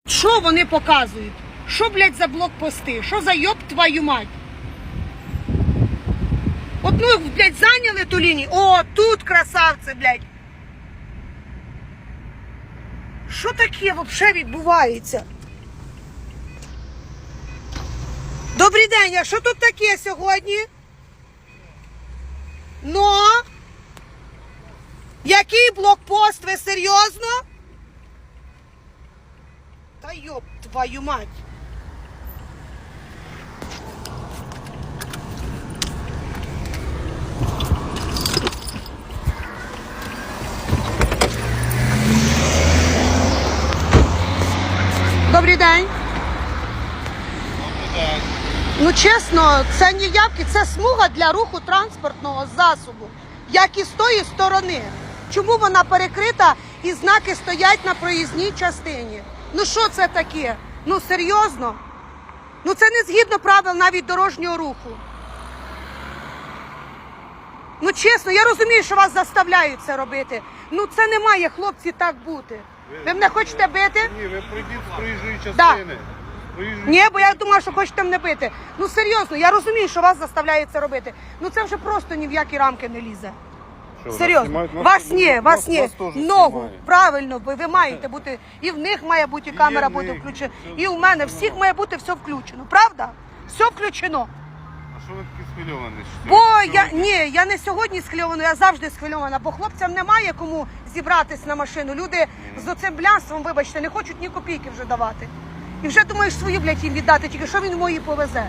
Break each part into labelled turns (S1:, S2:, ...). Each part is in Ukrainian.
S1: Що вони показують? Що, блядь, за блокпости? Що за йоб твою мать? Одну, блядь, зайняли ту лінію. О, тут красавці, блядь. Що таке взагалі відбувається? Добрий день, а що тут таке сьогодні? Ну? Який блокпост? Ви серйозно? Та йоб твою мать. Добрий день. Ну чесно, це не явки, це смуга для руху транспортного засобу, як і з тої сторони. Чому вона перекрита і знаки стоять на проїзній частині? Ну що це таке? Ну серйозно? Ну це не згідно правил навіть дорожнього руху. Ну чесно, я розумію, що вас заставляють це робити. Ну це не має, хлопці, так бути. Ви мене хочете бити?
S2: Ні, ви пройдіть з проїжджої частини.
S1: Ні, бо я думала, що хочете мене бити. Ну серйозно, я розумію, що вас заставляють це робити. Ну це вже просто ні в які рамки не лізе. Серйозно. Вас ні. Ногу, правильно, ви маєте бути. І в них має бути камера бути включена. І в мене. Всіх має бути все включено. Правда? Все включено.
S2: А що ви такі схвильовані?
S1: Бо я не сьогодні схвильована, я завжди схвильована, бо хлопцям немає кому зібратись на машину. Люди з оцим блянством, вибачте, не хочуть ні копійки вже давати. І вже думаєш свою, блядь, їм віддати, тільки що він мої повезе.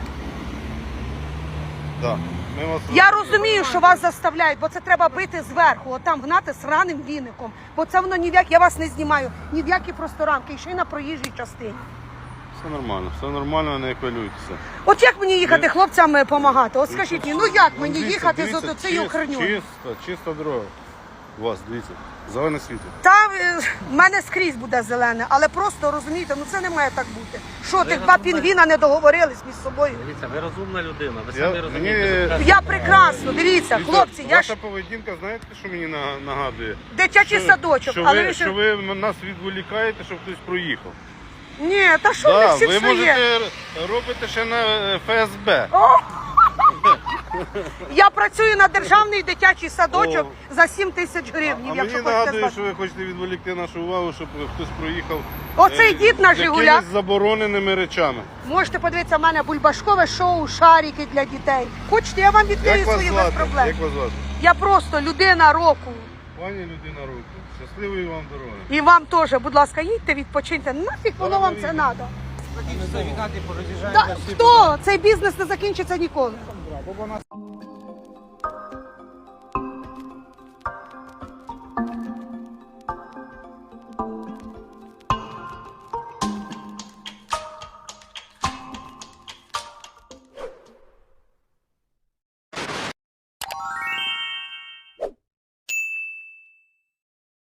S2: Так.
S1: Я розумію, що вас заставляють, бо це треба бити зверху, отам гнати з раним віником. Бо це воно ні в як, я вас не знімаю, ні в які просто рамки, і ще й на проїжджій частині.
S2: Все нормально, не хвилюйтеся.
S1: От як мені їхати хлопцям допомагати? От скажіть мені, ну як мені їхати з цією херню?
S2: Чиста дорога. У вас, дивіться, зелене світло.
S1: Та в мене скрізь буде зелене, але просто, розумієте, ну це не має так бути. Що, тих два пінгвіна не договорились між собою?
S3: Дивіться, ви розумна людина, ви самі розумієте.
S1: Я прекрасно, дивіться, хлопці, я
S2: Ваша
S1: ж
S2: поведінка, знаєте, що мені нагадує?
S1: дитячий садочок, але
S2: що ви нас відволікаєте, щоб хтось проїхав.
S1: Ні, та що в них всіх
S2: ви
S1: своє?
S2: можете робити ще на ФСБ.
S1: Я працюю на державний дитячий садочок за 7 тисяч гривень,
S2: А
S1: якщо
S2: мені
S1: хочете
S2: нагадує,
S1: знати.
S2: що ви хочете відволікти нашу увагу, щоб хтось проїхав
S1: Оцей дід на Жигулях.
S2: якимись забороненими речами.
S1: Можете подивитися в мене бульбашкове шоу «Шарики для дітей». Хочете, я вам відкрию
S2: Як вас
S1: свої без
S2: звати?
S1: проблем.
S2: Як вас звати?
S1: Я просто людина року.
S2: Пані людина руку. Щасливої вам дороги.
S1: І вам теж, будь ласка, їдьте, відпочиньте. Нафіг воно вам це треба? Хто? Цей бізнес не закінчиться ніколи.